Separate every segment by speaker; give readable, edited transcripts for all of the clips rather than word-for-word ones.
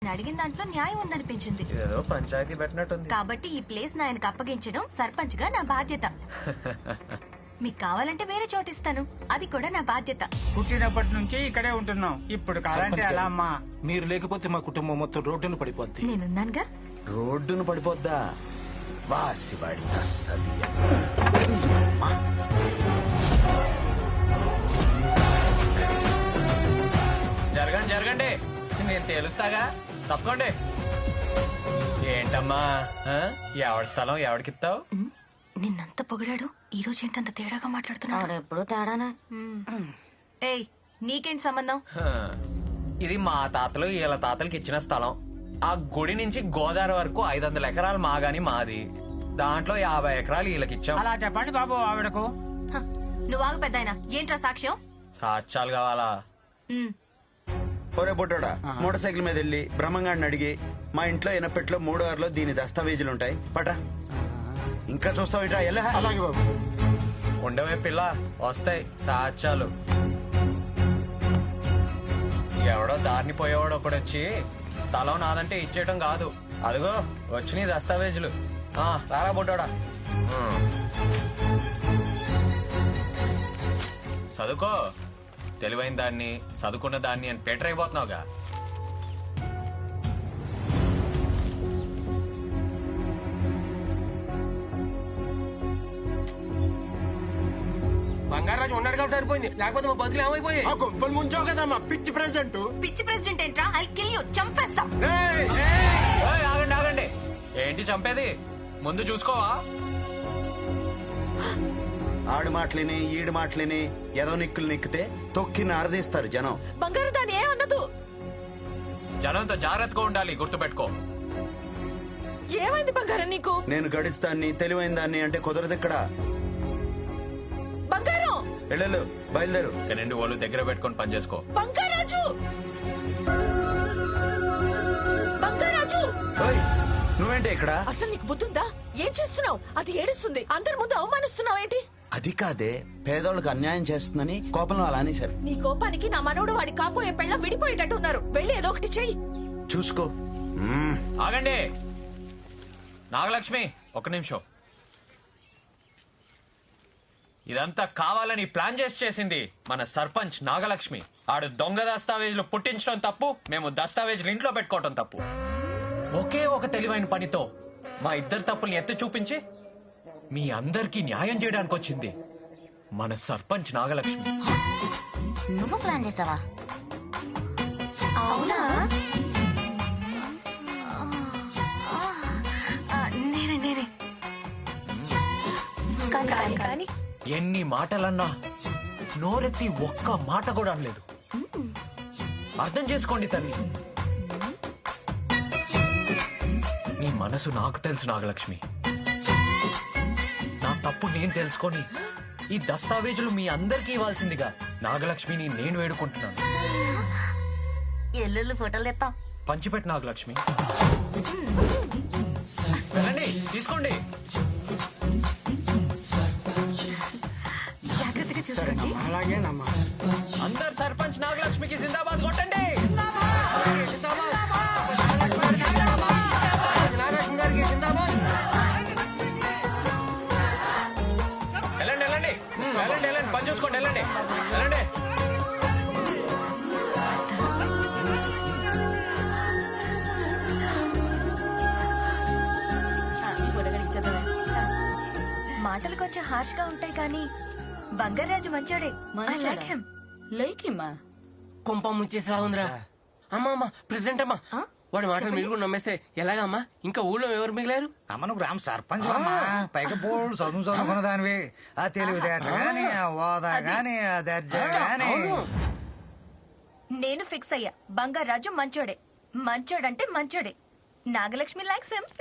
Speaker 1: అడిగిన దాంట్లో న్యాయం ఉందనిపించింది.
Speaker 2: ఏదో పంచాయతీ పెట్టినట్టుంది.
Speaker 1: కాబట్టి ఈ ప్లేస్ ఆయనకు అప్పగించడం సర్పంచ్ గా నా బాధ్యత. మీకు కావాలంటే వేరే చోటు ఇస్తాను, అది కూడా నా బాధ్యత.
Speaker 3: పుట్టినప్పటి నుంచి ఇక్కడే ఉంటున్నాం, ఇప్పుడు కావాలంటే ఎలా అమ్మా?
Speaker 4: మీరు లేకపోతే మా కుటుంబం మొత్తం రోడ్డును పడిపోద్ది.
Speaker 1: నేనున్నానుగా.
Speaker 5: రోడ్డును పడిపోద్దా? వాసివాడి తస్సదియ.
Speaker 2: జరగండి జరగండి, నేను తేలుస్తాగా, తప్పకోండి. ఏంటమ్మా ఎవడి స్థలం ఎవడికిస్తావు?
Speaker 1: నిన్నంత పొగిడాడు, ఈ రోజు ఏంటంత తేడాగా మాట్లాడుతున్నాడు?
Speaker 6: ఎప్పుడు తేడానా?
Speaker 1: ఏయ్, నీకేంటి సంబంధం?
Speaker 2: ఇది మా తాతలు వీళ్ళ తాతలకి ఇచ్చిన స్థలం. ఆ గుడి నుంచి గోదావరి వరకు 500 ఎకరాలు మాగాని మాది. దాంట్లో 50 ఎకరాలు వీళ్ళకి ఇచ్చాం.
Speaker 3: అలా చెప్పండి బాబు ఆవిడకు.
Speaker 1: హ, నువ్వు ఆగు పెద్దాయన. ఏంట్రా సాక్ష్యం?
Speaker 2: సాక్ష్యాలు కావాలా?
Speaker 5: ఒరే బొడ్డోడా, మోటార్ సైకిల్ మీద వెళ్ళి బ్రహ్మంగాడిని అడిగి మా ఇంట్లో ఎనపెట్లో 3 వారిలో దీని దస్తావేజులు ఉంటాయి పట. ఇంకా చూస్తావు ఇట్రా ఎలా?
Speaker 4: అలాగే బాబు.
Speaker 2: ఉండవే పిల్ల, వస్తాయి సాక్ష్యాలు. ఎవడో దారిని పోయేవాడు ఒకడొచ్చి స్థలం నాదంటే ఇచ్చేయటం కాదు. అదిగో వచ్చినాయి దస్తావేజులు. రారా బొడ్డోడా. చదువుకో, తెలివైన దాన్ని చదువుకున్న దాన్ని అని పేటర్ అయిపోతున్నావుగా.
Speaker 7: బంగారాజు ఉన్నాడు కాబట్టి సరిపోయింది, లేకపోతే మా బతుకులు ఏమైపోయాయి?
Speaker 4: ముంచావు కదా మా పిచ్చి ప్రెసిడెంట్.
Speaker 1: పిచ్చి ప్రెసిడెంట్ ఏంట్రా? ఐ కిల్ యు, చంపేస్తా.
Speaker 2: ఏయ్, ఆగండి ఆగండి, ఏంటి చంపేది? ముందు చూసుకోవా?
Speaker 5: ఆడి మాటలిని ఈడి మాటలిని ఏదో నిక్కులు నిక్కితే తొక్కి నారదీస్తారు జనం.
Speaker 6: బంగారు దాని ఏ అన్నదు.
Speaker 2: జనంతో జాగ్రత్తగా ఉండాలి, గుర్తుపెట్టుకో.
Speaker 6: ఏమైంది బంగారం నీకు?
Speaker 5: నేను గడిస్తాన్ని తెలివైన దాన్ని అంటే కుదరదు ఇక్కడ.
Speaker 6: బంగారం
Speaker 5: వెళ్ళు, బయలుదేరు.
Speaker 2: ఇక రెండు వాళ్ళు దగ్గర పెట్టుకొని పని చేసుకో.
Speaker 6: బంగారాజు, బంగారాజు,
Speaker 5: ఓయ్, నువ్వేంటి ఇక్కడ?
Speaker 6: అసలు నీకు బుద్ధుందా? ఏం చేస్తున్నావు? అది ఏడుస్తుంది, అందరి ముందు అవమానిస్తున్నావు ఏంటి?
Speaker 5: అది కాదే, పేదోళ్ళకి అన్యాయం చేస్తుందని కోపంలో అలా అనేశారు.
Speaker 6: నీ కోపానికి నా మనోడు వాడి కాపోయే పెళ్ళ విడిపోయేటట్టు ఉన్నారు. వెళ్ళి ఏదో ఒకటి చెయ్యి.
Speaker 5: చూసుకో.
Speaker 2: ఆగండి నాగలక్ష్మి, ఒక్క నిమిషం. ఇదంతా కావాలని ప్లాన్ చేసింది మన సర్పంచ్ నాగలక్ష్మి. ఆడు దొంగ దస్తావేజులు పుట్టించడం తప్పు, మేము దస్తావేజులు ఇంట్లో పెట్టుకోవటం తప్పు. ఒకే ఒక తెలివైన పనితో మా ఇద్దరు తప్పుల్ని ఎత్తి చూపించి మీ అందరికీ న్యాయం చేయడానికి వచ్చింది మన సర్పంచ్ నాగలక్ష్మి.
Speaker 6: నువ్వు ప్లాన్ చేసావా?
Speaker 1: అవునా? నేనే కానీ
Speaker 2: ఎన్ని మాటలన్నా నోరెత్తి ఒక్క మాట కూడా అనలేదు. అర్థం చేసుకోండి తల్లి, నీ మనసు నాకు తెలుసు నాగలక్ష్మి. నా తప్పు నేను తెలుసుకొని ఈ దస్తావేజులు మీ అందరికీ ఇవ్వాల్సిందిగా నాగలక్ష్మిని నేను వేడుకుంటున్నాను.
Speaker 6: ఎల్లుళ్ళు ఫోటోలు తెస్తాం.
Speaker 2: పంచిపెట్టు నాగలక్ష్మి. వెళ్ళండి, తీసుకోండి.
Speaker 1: జాగ్రత్తగా చూసుకోండి.
Speaker 3: అలాగేనమ్మా.
Speaker 2: అందరు సర్పంచ్ నాగలక్ష్మికి జిందాబాద్ కొట్టండి.
Speaker 7: నాగరాజు గారికి జిందాబాద్.
Speaker 2: వెళ్ళండి వెళ్ళండి వెళ్ళండి వెళ్ళండి, పని చూసుకోండి. వెళ్ళండి వెళ్ళండి.
Speaker 1: మాటలు కొంచెం హార్ష్ గా ఉంటాయి కానీ బంగారాజు మంచోడే. I like him.
Speaker 6: Like him.
Speaker 7: కుంప ముంచేసి రావుందిరా. అమ్మా అమ్మా, ప్రెసిడెంట్ అమ్మా, వాడి మాటలు మీరు కూడా నమ్మేస్తే ఎలాగా అమ్మా? ఇంకా ఊళ్ళో ఎవరు మిగిలారు?
Speaker 8: అమ్మను గ్రామ సర్పంచ్ పైగా బోర్డు చదువుకున్న దానివి. ఆ తెలివితేటలు గాని, ఆ హోదా గాని, ఆ దర్జా గాని.
Speaker 1: నేను ఫిక్స్ అయ్యా, బంగారాజు మంచోడే. మంచోడంటే మంచోడే. Nagalakshmi likes him.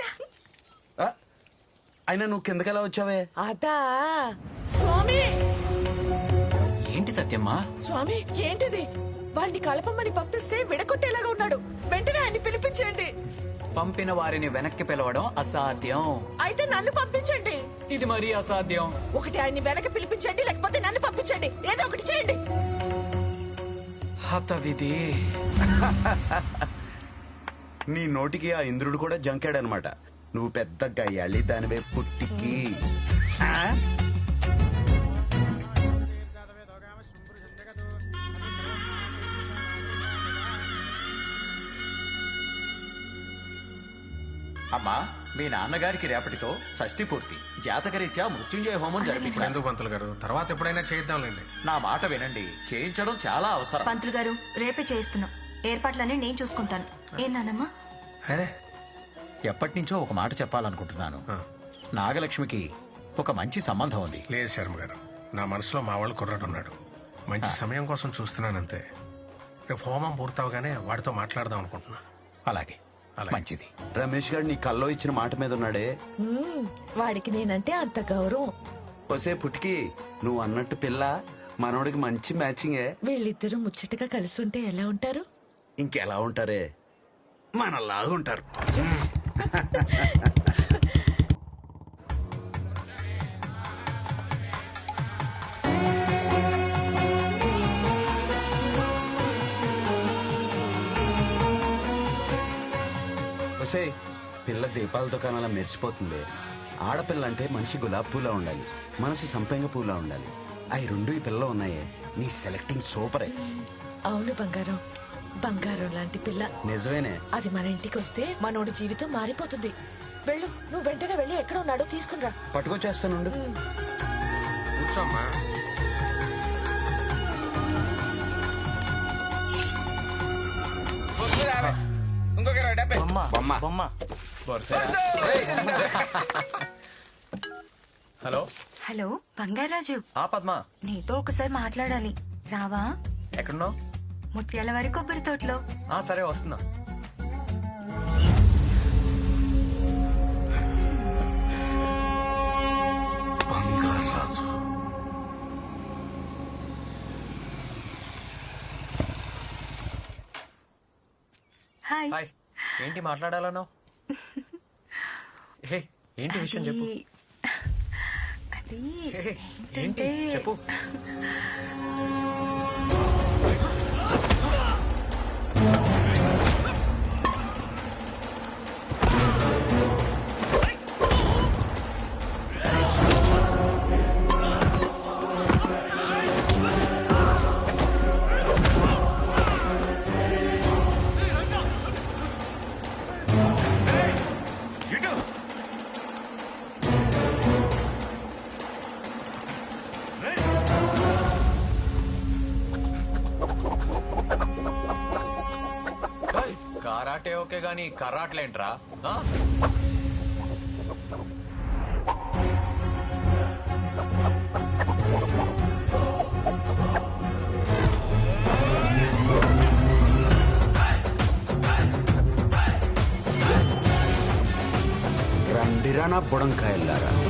Speaker 5: అయినా నువ్వు కిందకెలా వచ్చావే?
Speaker 6: అదా స్వామి.
Speaker 2: ఏంటి సత్యమ్మా?
Speaker 6: స్వామి ఏంటిది? వాడిని కలపమని పంపిస్తే విడగొట్టేలాగా ఉన్నాడు. వెంటనే ఆయన్ని పిలిపించండి.
Speaker 9: పంపిన వారిని వెనక్కి పిలవడం అసాధ్యం.
Speaker 6: అయితే నన్ను పంపించండి.
Speaker 9: ఇది మరీ అసాధ్యం.
Speaker 6: ఒకటి ఆయన్ని వెనక్కి పిలిపించండి, లేకపోతే నన్ను పంపించండి. ఏదో ఒకటి చేయండి.
Speaker 9: హతవిధి.
Speaker 5: నీ నోటికి ఆ ఇంద్రుడు కూడా జంకాడనమాట. నువ్వు పెద్ద గయ్యాళి దానివే పుట్టికి.
Speaker 9: అమ్మా, మీ నాన్నగారికి రేపటితో షష్ఠి పూర్తి. జాతకరీత్యా మృత్యుంజయ హోమం జరిపించాను.
Speaker 10: ఎందుకు పంతులు గారు, తర్వాత ఎప్పుడైనా చేద్దాంలేండి.
Speaker 9: నా మాట వినండి, చేయించడం చాలా అవసరం.
Speaker 1: పంతులు గారు రేపే చేయిస్తున్నాం. ఏర్పాట్లన్నీ నేను చూసుకుంటాను. ఏం నానమ్మా?
Speaker 9: అరే, ఎప్పటి నుంచో ఒక మాట చెప్పాలనుకుంటున్నాను. నాగలక్ష్మికి ఒక మంచి సంబంధం ఉంది.
Speaker 10: లేదు శర్మ గారు, నా మనసులో మా వాళ్ళు కుర్రాడు ఉన్నాడు. మంచి సమయం కోసం చూస్తున్నానంతే. రేపు హోమం పూర్తవగానే వాడితో మాట్లాడదాం అనుకుంటున్నాను.
Speaker 9: అలాగే, మంచిది.
Speaker 5: రమేష్ గారు నీ కల్లో ఇచ్చిన మాట మీద ఉన్నాడే.
Speaker 6: వాడికి నేనంటే అంత గౌరవం.
Speaker 5: ఒసే పుట్టికి, నువ్వు అన్నట్టు పిల్ల మనోడికి మంచి మ్యాచింగే.
Speaker 6: వీళ్ళిద్దరూ ముచ్చటగా కలిసి ఉంటే ఎలా ఉంటారు?
Speaker 5: ఇంకెలా ఉంటారే, మనలాగా ఉంటారు. ఒసే, పిల్ల దీపాల దుకాణాల మెరిసిపోతుంది. ఆడపిల్ల అంటే మనిషి గులాబ్ పూలా ఉండాలి, మనసు సంపెంగ పూలా ఉండాలి. అవి రెండు ఈ పిల్ల ఉన్నాయే. నీ సెలెక్టింగ్ సూపరే.
Speaker 6: అవును బంగారం, బంగారం లాంటి పిల్ల.
Speaker 5: నిజమేనే.
Speaker 6: అది మన ఇంటికి వస్తే మనోడి జీవితం మారిపోతుంది. వెళ్ళు, నువ్వు వెంటనే వెళ్ళి ఎక్కడ ఉన్నాడో తీసుకునిరా.
Speaker 5: పట్టుకొచ్చేస్తానుండు.
Speaker 10: కూర్చోమ్మా.
Speaker 7: ఇంకొక 20.
Speaker 2: బొమ్మ. హలో
Speaker 1: హలో బంగారాజు,
Speaker 2: పద్మ,
Speaker 1: నీతో ఒకసారి మాట్లాడాలి. రావా?
Speaker 2: ఎక్కడున్నావు?
Speaker 1: ముత్యాల వారి కొబ్బరి తోటలో.
Speaker 2: సరే వస్తున్నా.
Speaker 10: బంగారాజు.
Speaker 1: హాయ్.
Speaker 2: హాయ్. ఏంటి మాట్లాడాలన్నావు? హే, ఏంటి విషయం చెప్పు.
Speaker 1: అది
Speaker 2: హే, ఏంటి చెప్పు. కరాటే ఓకే గాని కరాట్లేంట్రా?
Speaker 5: రండిరా నా బుడంకాయల్లారా.